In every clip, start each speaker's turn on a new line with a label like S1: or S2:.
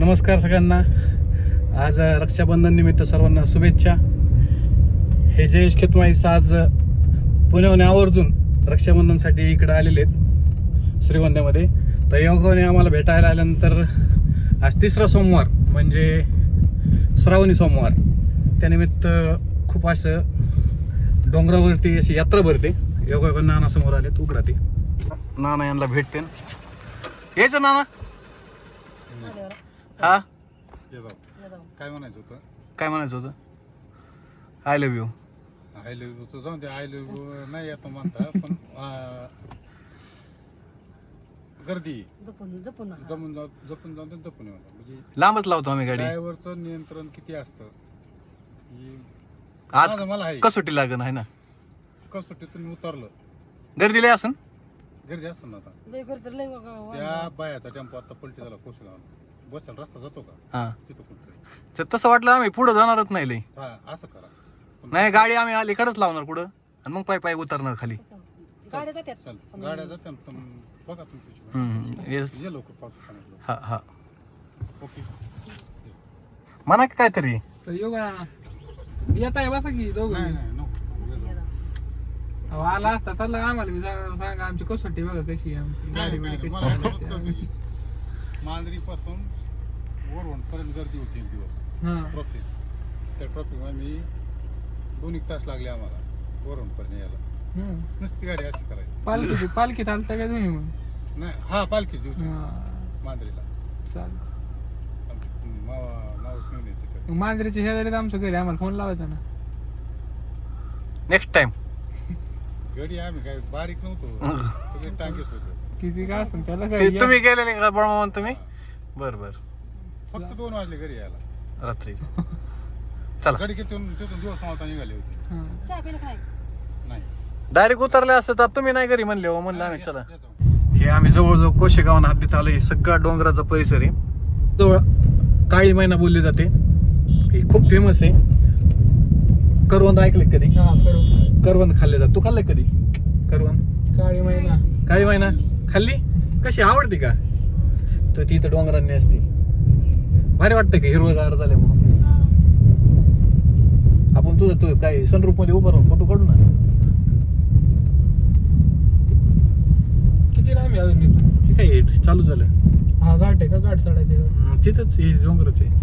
S1: नमस्कार सगळ्यांना. आज रक्षाबंधन निमित्त सर्वांना शुभेच्छा. हे जयेश खेतमाळीस आज पुण्याहून आवर्जून रक्षाबंधनसाठी इकडे आलेले आहेत श्रीगोंद्यामध्ये. तर योगाने आम्हाला भेटायला आल्यानंतर आज तिसरा सोमवार म्हणजे श्रावणी सोमवार, त्यानिमित्त खूप असं डोंगरावरती अशी यात्रा भरते. योगा नाना समोर आलेत उघडा ते नाना यांना भेटते. यायचं नाना. हा
S2: काय म्हणायचं होतं?
S1: काय म्हणायचं होतं? I love you.
S2: I love you तर जाऊन ते आय लव्ह यू नाही येतो म्हणता, पण गर्दी जपून जाऊन ते जपून येऊ. म्हणजे
S1: लांबच लावतो आम्ही गाडी.
S2: ड्रायव्हरचं नियंत्रण किती असतं ही
S1: आज
S2: मला आहे.
S1: कसोटी लागण आहे ना,
S2: कसोटीतून उतरलं
S1: गर्दी लय असन.
S2: गर्दी असतं ना. आता त्या बायाचा टेम्पो आता पलटी झाला कोसगाव. बसायला रस्ता जातो का
S1: हा,
S2: तिथं कुठतरी.
S1: तर तसं वाटलं आम्ही पुढे जाणारच नाही लय.
S2: हा असं करा.
S1: नाही, गाडी आम्ही अलीकडेच लावणार पुढं आणि मग पाय उतरणार खाली.
S2: गाड्या जातात पण बघा तुमची
S1: येस.
S2: ये लवकर पाऊस पाण्यात.
S1: हा हा,
S2: ओके.
S1: म्हणा की काहीतरी.
S3: योगा येत आहे बसा की दोघं.
S2: नाही नाही नको.
S3: अहो, आला असता चालला आम्हाला बी सांगा आमची कसोटी बघा कशी आहे आमची गाडी बिडी कशी.
S2: मांजरी पासून वरवण पर्यंत गर्दी होती एक दिवस
S3: हा
S2: ट्रॉफिक. त्या ट्रॉफिकमध्ये मी 2 तास लागले आम्हाला वरवण पर्यंत यायला. नुसती गाडी अशी करायची.
S3: पालखीत आलता का तुम्ही मग?
S2: नाही हा पालखीच दिवशी
S3: हा,
S2: मांजरीला
S3: चालेल.
S2: आमची मावस घेऊन येते तिथं.
S3: मग मांजरीच्या शेजारीत आमचं घरी आम्हाला फोन लावायचा ना.
S1: Next time.
S2: गडी आम्ही काय बारीक नव्हतो, सगळे टांगेच होतो.
S3: किती काय असं त्याला काय
S1: तुम्ही गेलेले का बळमावन तुम्ही? बर बर.
S2: फक्त 2 वाजले घरी यायला
S1: रात्री. चला,
S2: गडी तिथून दिवस मावता निघाले होते.
S3: हा.
S2: नाही
S1: डायरेक्ट उतरले असते तर तुम्ही नाही घरी म्हणले हो. म्हणलं आम्ही चला.
S2: येतो.
S1: हे आम्ही जवळजवळ कोशेगावांना हद्दीत आलो. हे सगळा डोंगराचा परिसर आहे. जवळ काळी मैना बोलली जाते. हे खूप फेमस आहे. करवंद ऐकले कधी?
S3: हा, करू.
S1: करवंद खाल्ले जात. तू खाल्लंय कधी करवंद?
S3: काळी महिना
S1: काळी मैना खाल्ली? कशी आवडते का? तर ती तर डोंगरांनी असते. भारी वाटतं की हिरवगार झाल्यामुळं. आपण तुझं तू काय सनरूफ मध्ये उभं राहून फोटो काढू ना.
S3: किती लांब आहे अजून इथून?
S1: ठीक आहे, चालू झालं.
S3: हा घाट आहे का? घाट चढायचं
S1: तिथंच हे डोंगरच आहे.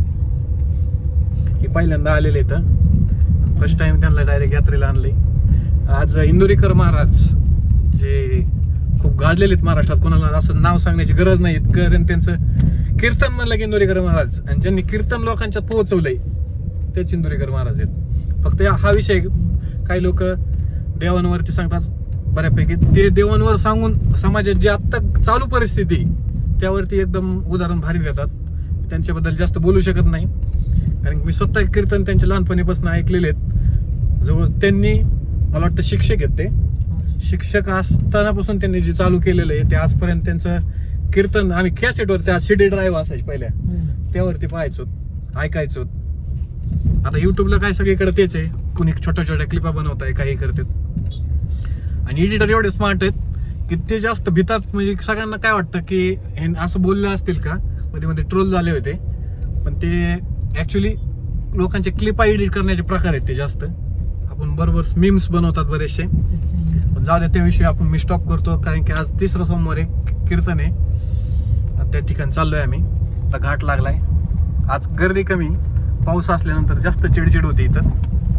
S1: हे पहिल्यांदा आलेले इथं. फर्स्ट टाइम त्यांना डायरेक्ट यात्रेला आणले. आज इंदुरीकर महाराज जे खूप गाजलेले आहेत महाराष्ट्रात, कोणाला असं नाव सांगण्याची गरज नाही. कारण त्यांचं कीर्तन म्हणलं की इंदुरीकर महाराज, आणि ज्यांनी कीर्तन लोकांच्यात पोहोचवलंय तेच इंदुरीकर महाराज आहेत. फक्त हा विषय काही लोक देवांवरती सांगतात बऱ्यापैकी. ते देवांवर सांगून समाजात जी आत्ता चालू परिस्थिती त्यावरती एकदम उदाहरण भारी देतात. त्यांच्याबद्दल जास्त बोलू शकत नाही, कारण मी स्वतः कीर्तन त्यांच्या लहानपणीपासून ऐकलेले आहेत. जवळ त्यांनी मला वाटतं शिक्षक आहेत. ते शिक्षक असतानापासून त्यांनी जे चालू केलेलं आहे ते आजपर्यंत त्यांचं कीर्तन आम्ही कॅसेटवर, त्या CD ड्राईव्ह असायची पहिल्या, त्यावरती पाहायचो, ऐकायचो. आता युट्यूबला काय सगळीकडे तेच आहे. कुणी छोट्या छोट्या क्लिपा बनवत आहे, काही करतात. आणि एडिटर एवढे स्मार्ट आहेत की ते जास्त भितात. म्हणजे सगळ्यांना काय वाटतं की हे असं बोलले असतील का, मध्ये मध्ये ट्रोल झाले होते. पण ते ऍक्च्युली लोकांचे क्लिपा एडिट करण्याचे प्रकार आहेत ते जास्त. आपण बरोबर मीम्स बनवतात बरेचसे. पण जाऊ द्या, त्याविषयी मी स्टॉप करतो, कारण की आज तिसरा सोमवार आहे, कीर्तन आहे. त्या ठिकाणी चाललोय आम्ही. आता घाट लागलाय. आज गर्दी कमी, पाऊस असल्यानंतर जास्त चिडचिड होते इथं.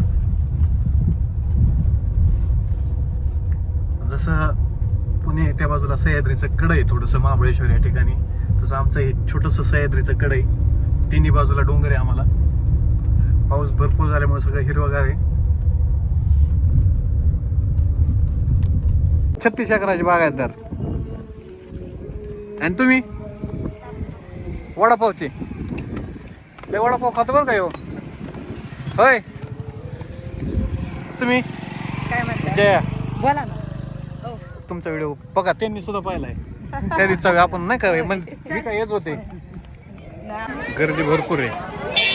S1: जसं पुणे त्या बाजूला सह्याद्रीचं कड आहे थोडंसं, महाबळेश्वर या ठिकाणी, तसं आमचं हे छोटंसं सह्याद्रीचं कड आहे. तिन्ही बाजूला डोंगर आहे आम्हाला. पाऊस भरपूर झाल्यामुळे सगळं हिरवगार आहे. 36 एकराची बागायतदार. आणि तुम्ही वडापावचे ते वडापाव खातो बरं काय हो? होय, तुम्ही
S4: काय म्हणता?
S1: जया,
S4: बोला ना.
S1: तुमचा व्हिडिओ बघा, त्यांनी सुद्धा पाहिलाय. त्या दिवसा आपण नाही का म्हणजे काय येत होते. गर्दी भरपूर आहे.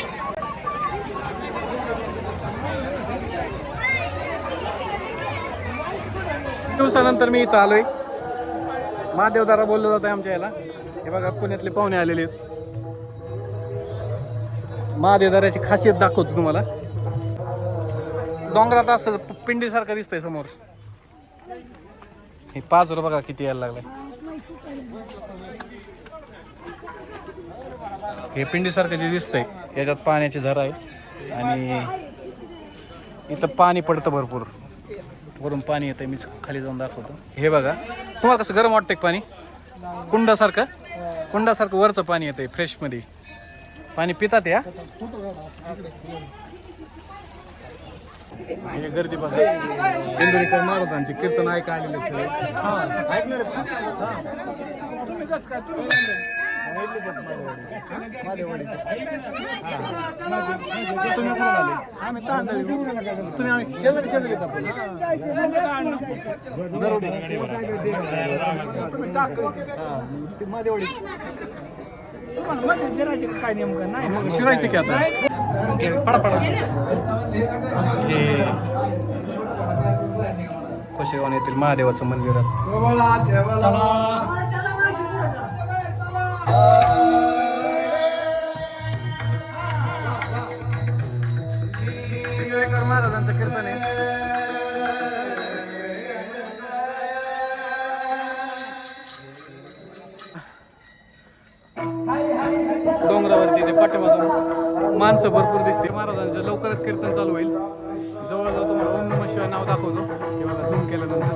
S1: दिवसानंतर मी इथं आलोय. महादेवदारा बोललो जात आहे आमच्या याला. हे बघा पुण्यातले पाहुणे आलेले आहेत. महादेवदाराची खासियत दाखवतो तुम्हाला. डोंगरात असं पिंडीसारखं दिसतंय समोर. हे 5 रुपये बघा किती यायला लागलाय. हे पिंडीसारखं जे दिसतंय याच्यात पाण्याची झरा आहे आणि इथं पाणी पडतं भरपूर. वरून पाणी येतंय, मी खाली जाऊन दाखवतो. हे बघा, तुम्हाला कसं गरम वाटतंय पाणी? कुंडासारखं वरचं पाणी येतंय फ्रेश मध्ये. पाणी पितात या. हे गर्दी बघा, इंदुरीकर महाराजांचे कीर्तन ऐका आलेले सगळे. ऐकणार आहेत तुम्ही कुठून आले? तुम्ही शेजारी येतात मादेवाडी
S4: काय नेमकं नाही
S1: शिरायचं की आता पडा हे कोशेगाव येथील महादेवाचं मंदिर आहे. महाराजांचं कीर्तन आहे. डोंगरावरती ते पाठीमागून माणसं भरपूर दिसते. महाराजांचं लवकरच कीर्तन चालू होईल. जवळजवळ तुम्हाला ओम नमः शिवाय नाव दाखवतो. हे बघा झूम केल्यानंतर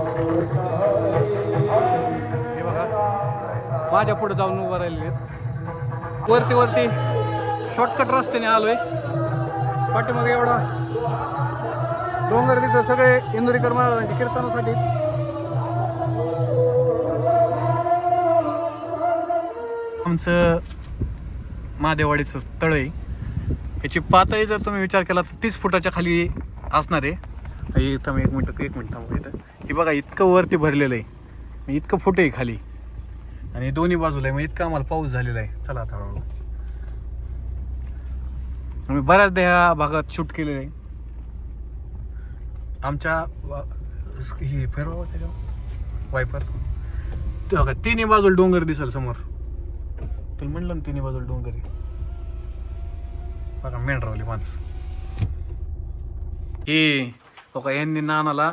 S1: हे बघा माझ्या पुढे जाऊन उभं राहिलेले आहेत. वरती शॉर्टकट रस्त्याने आलोय. पाठीमागे एवढा डोंगर तिथं सगळे इंदुरीकर महाराजांच्या कीर्तनासाठी. आमचं महादेवाडीचं तळ आहे. याची पातळी जर तुम्ही विचार केला तर 30 फुटाच्या खाली असणार आहे. इथं मी एक मिनिट थांबू. इथं हे बघा इतकं वरती भरलेलं आहे, इतकं फुट आहे खाली आणि दोन्ही बाजूला आहे. मग इतका आम्हाला पाऊस झालेला आहे. चला आता हळूहळू. आम्ही बऱ्याचदा ह्या भागात शूट केलेलं आहे. आमच्या ही फिरवा त्याच्यावर वायपर बघा, तिन्ही बाजूला डोंगर दिसेल समोर. तुला म्हणलं ना तिन्ही बाजूला डोंगर आहे. बघा मेंढरावली माणसं. हे बघा यांनी नानाला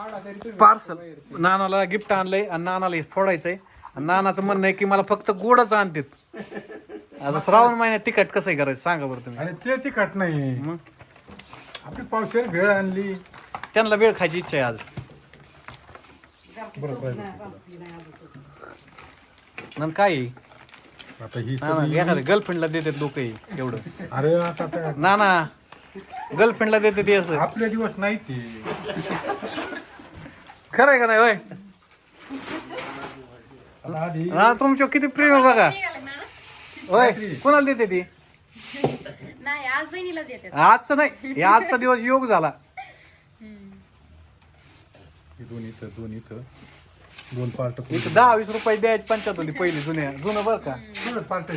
S1: नानाला गिफ्ट आणलंय आणि नानाला हे फोडायचंय. आणि नानाचं म्हणणं आहे की मला फक्त गोडच आणतात. आता श्रावण महिन्यात तिखट कसं करायचं सांगा बरं तुम्ही.
S2: आणि ते तिखट नाही,
S1: मग
S2: आपली पावशेर भेळ आणली.
S1: त्यांना वेळ खायची इच्छा आहे आज.
S2: बरोबर
S1: नंतर काय आहे?
S2: आता ही
S1: एखाद्या गर्लफ्रेंडला देतात लोक एवढं.
S2: अरे आता
S1: नाना गर्लफ्रेंडला देते ते असं
S2: आपले दिवस नाही ते.
S1: खरं आहे का नाही? होय
S2: आता आधी
S1: हा, तुमच्या किती प्रेम आहे बघा. होय कोणाला देते ती?
S5: नाही आज बहिणीला देते.
S1: आजचं नाही, आजचा दिवस योग झाला.
S2: दोन इथं 2 पार्ट.
S1: इथं 10-20 रुपये द्यायची पंचायत होती पहिली जुनं बरं का.
S2: पार्ट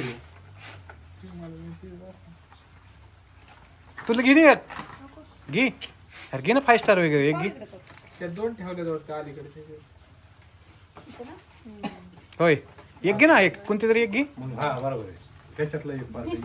S1: तुला घे ना एक घे. अरे घे ना 5 स्टार वगैरे एक घे.
S3: त्या 2 ठेवले वाटतं अलीकडे.
S1: होय एक घे ना, एक कोणती तरी एक घे.
S2: हा बरोबर आहे, त्याच्यातला एक पार्ट.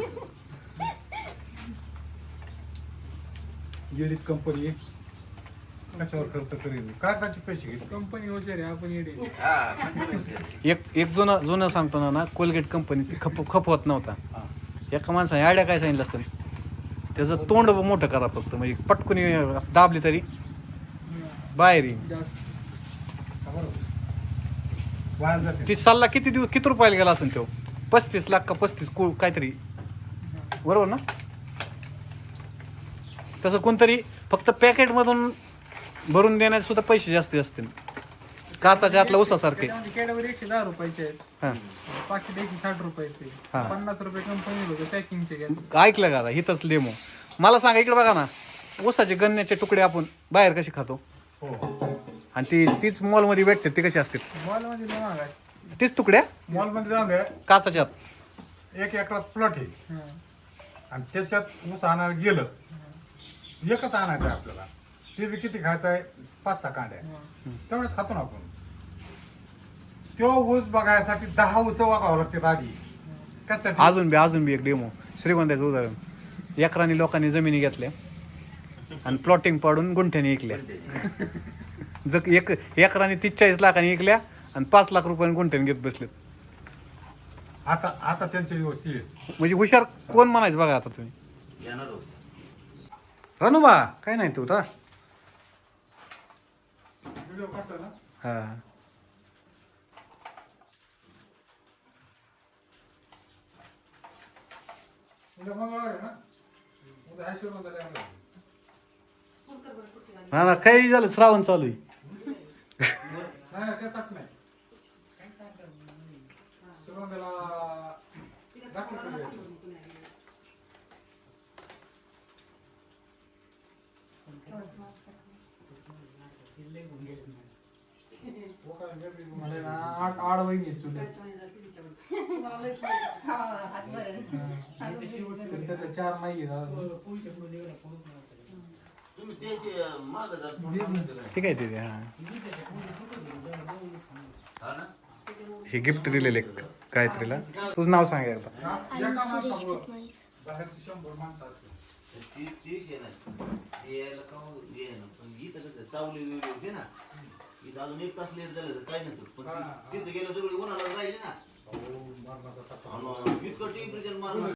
S2: गेलीच कंपनी कशावर खर्च करेल, काय त्याचे पैसे घेतले.
S3: कंपनी हुशार आहे, आपण येडे.
S1: एक जुनं सांगतो ना, कोलगेट कंपनीची खपवत नव्हता. एका माणसाने आयडिया काय सांगितलं असेल, त्याचं तोंड मोठं करा फक्त, म्हणजे पटकन असं दाबली तरी बाहेर येईल.
S3: जास्त
S1: ती सल्ला किती रुपयाला गेला असेल तो? 35 लाख का 35 काहीतरी, बरोबर ना? तसं कोणतरी फक्त पॅकेटमधून भरून देण्याचे सुद्धा पैसे जास्त असतील. काचाच्या आतला उसासारखे.
S3: कॅडबरी 110 रुपयाचे आहेत,
S1: हां
S3: पाकिट 160 रुपयाचे.
S1: हा.
S3: 50 रुपये कंपनी होते पॅकिंगचे घ्या.
S1: ऐकलं का आता? हिथंच डेमो. मला सांगा, इकडे बघा ना, ऊसाचे गन्याचे तुकडे आपण बाहेर कसे खातो, आणि तीच मॉलमध्ये भेटते, ते कसे असतात?
S3: मॉलमध्ये लय महाग असते.
S1: तीच तुकड्या
S2: मॉल मध्ये जाऊन द्या,
S1: काचाच्या आत.
S2: 1 एकरात प्लॉट आहे
S3: हां.
S2: आणि त्याच्यात ऊस आणायला गेलं, एकच आणायचं आहे आपल्याला. ते बी किती खायचं आहे? 5-6 कांड्या, तेवढेच खातो ना आपण. तो ऊस बघायसाठी 10 ऊस वागावं लागते आधी. कशासाठी?
S1: अजून बी एक डेमो श्रीगोंद्याचं उदाहरण. एकराने लोकांनी जमिनी घेतल्या आणि प्लॉटिंग पाडून गुंठ्याने विकल्या. जग एक एकराने 43 लाखांनी विकल्या आणि 5 लाख रुपयांनी गुंठ्याने घेत बसलेत.
S2: आता आता त्यांच्या दिवस ती
S1: म्हणजे हुशार कोण म्हणायचं बघा आता तुम्ही. रणुबा काय नाही तू रा
S2: व्हिडिओ काढतो ना.
S1: हा
S2: उद्या मंगळवार आहे ना. उद्या आशीर्वाद द्यायला.
S1: हा ना काही झालं श्रावण चालू आहे.
S2: नाही त्यासाठी नाही. सुरुवातीला दाखल करूया. हो काय गर्दी मग.
S3: मला ना आठ वहिनी आहेत चुलत. तर त्यातल्या 4 माई आहेत अजून.
S1: ठीक आहे ते हा हे गिफ्ट दिलेले गायत्रीला. तुझं नाव सांग एकदा.
S2: एका माणसामुळं बाहेरची 100 माणसं असतील.
S4: सावली होते ना इथं अजून 1 तास लेट झालं तर काय नसतं पण तिथं गेलं सगळी उन्हाला राहिली ना
S2: हो, मरणाचा टप्पा.
S4: इतकं टेम्परेचर मारलं